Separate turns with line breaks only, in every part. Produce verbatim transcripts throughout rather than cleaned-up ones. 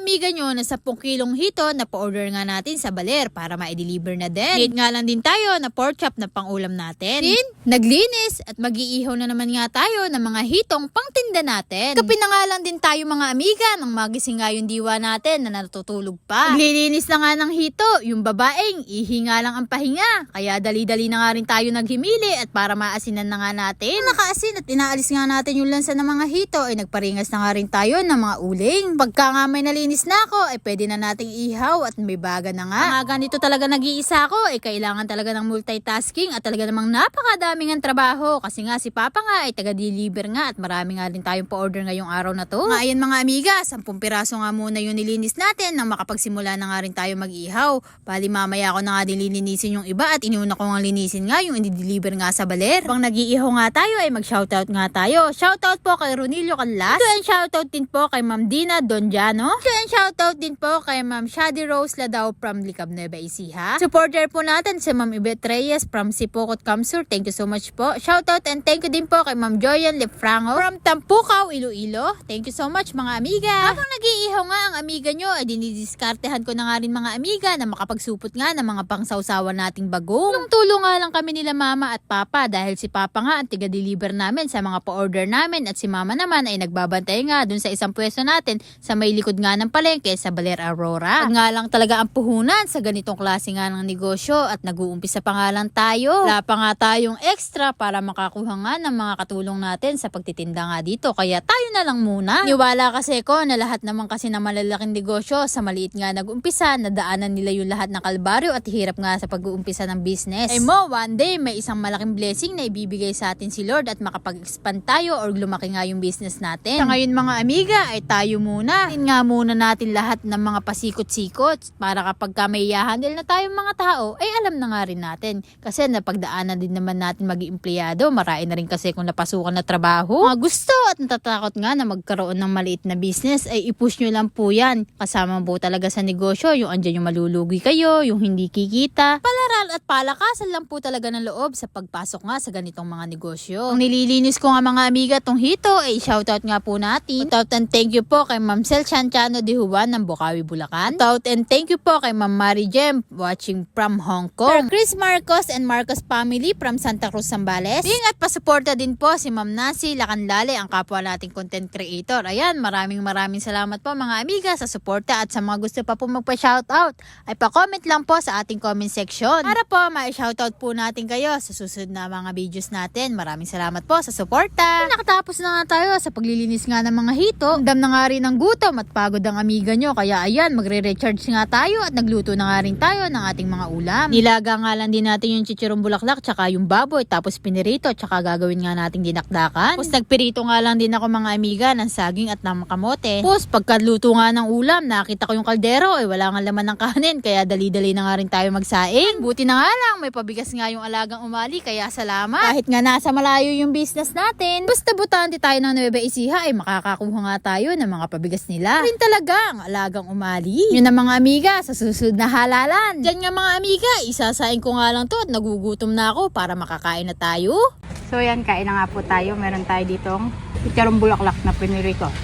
amiga nyo na ten kilong hito na pa-order nga natin sa Baler para ma-deliver na din. Need nga lang din tayo na pork chop na pang-ulam natin. Din, naglinis at mag-iihaw na naman nga tayo ng mga hitong pangtinda natin. Kapi na nga lang din tayo mga amiga nang magising nga yung diwa natin na natutulog pa. Naglilinis na nga ng hito, yung babaeng ihinga lang ang pahinga. Kaya dali-dali na nga rin tayo naghimili at para maasinan na nga natin. Nakaasin at inaalis nga natin yung lansa ng mga hito ay nagparingas na nga rin tayo ng mga uling. Pagka nga may nalinis na ako ay pwede na nating ihaw at may baga na nga. Mga ganito talaga nag-iisa ako ay kailangan talaga ng multitasking at talaga namang napakadaming ang trabaho kasi nga si Papa nga ay taga-deliver nga at marami nga din tayong pa-order ngayong araw na to. Nga ayan mga amiga, sampung piraso nga muna yung nilinis natin nang makapagsimula na nga rin tayo mag-ihaw. Bali mamaya ako na nga din lilinisin yung iba at iniuna ko nga linisin nga yung i-deliver nga sa Baler. Pang nag-iihaw nga tayo ay mag-shoutout nga tayo. Shoutout po kay Ronilio Canlas. Ito and shoutout din po kay Ma'am Dina Donjano. Ito and shoutout din po kay Ma'am Shady Rose Ladao from Licab Nueva Ecija. Supporter po natin si Ma'am Yvette Reyes from Sipokot Kamsur. Thank you so much po. Shoutout and thank you din po kay Ma'am Joyan Lefrango from Tampukaw, Iloilo. Thank you so much mga amiga. Habang nag-iihaw nga ang amiga nyo ay dinidiskartehan ko na nga rin mga amiga na makapagsupot nga ng mga pangsawsawan nating bagong. Nung tulong nga lang kami nila mama at papa dahil si papa nga ang tiga-deliver namin sa mga pa-order namin at si mama naman ay nagbabantay nga dun sa isang pwesto natin sa may likod nga ng palengke sa Baler Aurora. At nga lang talaga ang puhunan sa ganitong klase nga ng negosyo at nag-uumpisa pa nga lang tayo. Wala pa nga tayong extra para makakuha nga ng mga katulong natin sa pagtitinda nga dito kaya tayo na lang muna. Niwala kasi ko na lahat naman kasi na malalaking negosyo sa maliit nga nag-umpisa, nadaanan nila yung lahat ng kalbaryo at hirap nga sa pag-uumpisa ng business. Ay mo, one day may isang malaking blessing na ibibigay sa atin si Lord at makapag-expand tayo or lumaki nga yung business natin. Sa ngayon mga amiga ay tayo muna. Tingnan nga muna natin lahat ng mga pasikot-sikot para kapag ka may i-handle na tayong mga tao ay alam na nga rin natin. Kasi napagdaanan din naman natin maging empleyado. Marami na rin kasi kung napasukan na trabaho. Mga gusto at natatakot nga na magkaroon ng maliit na business ay i-push nyo lang po yan. Kasama po talaga sa negosyo yung andyan yung malulugi kayo, yung hindi kikita. Palaral at palakasan lang po talaga ng loob sa pagpasok nga sa ganitong mga negosyo. Ang nililinis ko nga mga amiga tong hito ay shoutout nga po natin. Shoutout and thank you po kay Ma'am Sel Chanchano de Juan ng Bukawi, Bulacan. Shoutout and thank you po kay Ma'am Mary Jem watching from Hong Kong. Sir Chris Marcos and Marcos family from Santa Cruz, Zambales. Ding at pasuporta din po si Ma'am Nancy Lacanlale, ang kapwa nating content creator. Ayan, maraming maraming salamat po mga amiga sa suporta at sa mga gusto pa po magpa-shoutout ay pa-comment lang po sa ating comment section para po ma-shoutout po natin kayo sa susunod na mga videos natin. Maraming salamat po sa suporta. Nakatapos na nga tayo sa paglilinis nga ng mga hito. Dam na nga rin ng gutom at pagod ang amiga nyo kaya ayan, magre-recharge nga tayo at nagluto na nga rin tayo ng ating mga ulam. Nilaga nga lang din natin yung chichirong bulaklak tsaka yung baboy tapos pinirito tsaka gagawin nga nating dinakdakan. Tapos nagpirito nga lang din ako mga amiga ng saging at ng kamote. Tapos pagkaluto nga ng ulam nakita ko yung kaldero eh wala nga laman ng kanin kaya dali-dali na nga rin tayo magsaing. Buti na nga lang may pabigas nga yung alagang umali kaya salamat. Kahit nga nasa malayo yung business natin basta butante tayo ng Nueva Ecija ay makakakuha nga tayo ng mga pabigas nila. Rin talaga ang alagang umali. Yun ang mga amiga sa susunod na halalan. Diyan nga mga amiga isasaing ko nga lang to at nagugutom na ako para makakain na tayo.
So yan, kain na nga po tayo. Meron tayo ditong chicharong bulaklak na piniri ko.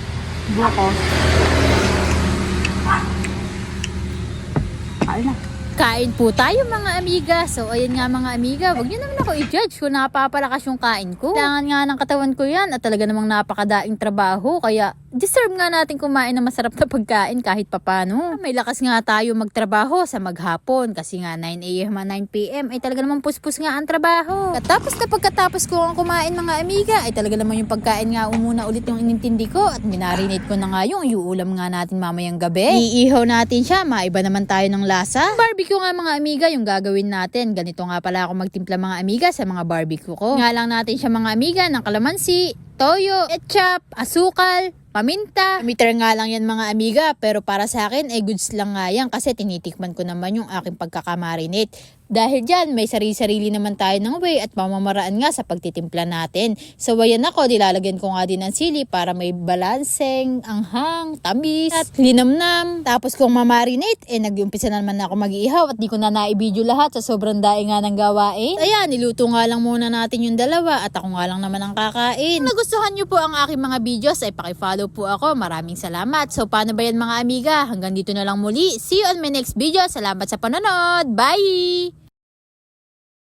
Buko. Kain na.
Kain po tayo mga amiga. So ayan nga mga amiga, wag niyo naman ako i-judge kung napapalakas yung kain ko. Kailangan nga ng katawan ko yan at talaga namang napakadaing trabaho kaya deserve nga natin kumain ng masarap na pagkain kahit papano. May lakas nga tayo magtrabaho sa maghapon kasi nga nine a m at nine p m ay talaga namang puspos nga ang trabaho. At tapos na pagkatapos ko ang kumain mga amiga ay talaga naman yung pagkain nga umuna ulit yung inintindi ko at minarinate ko na nga yung iuulam nga natin mamayang gabi. Iihaw natin siya, maiba naman tayo ng lasa. Barbecue nga mga amiga yung gagawin natin. Ganito nga pala ako magtimpla mga amiga sa mga barbecue ko. Nga lang natin siya mga amiga ng kalamansi, toyo, ketchup, asukal, paminta. Meter nga lang yan mga amiga pero para sa akin ay eh, goods lang nga yan kasi tinitikman ko naman yung aking pagkakamarinate. Dahil dyan, may sarili-sarili naman tayo ng way at pamamaraan nga sa pagtitimpla natin. So ayan ako, nilalagyan ko nga din ng sili para may balanseng, anghang, tamis, at linamnam. Tapos kung mamarinate, eh nag-umpisa na naman ako mag-iihaw at di ko na naibidyo lahat sa sobrang daing nga ng gawain. Ayan, niluto nga lang muna natin yung dalawa at ako nga lang naman ang kakain. Kung nagustuhan nyo po ang aking mga videos, ay pakifollow po ako. Maraming salamat. So paano ba yan mga amiga? Hanggang dito na lang muli. See you on my next video. Salamat sa panonood. Bye!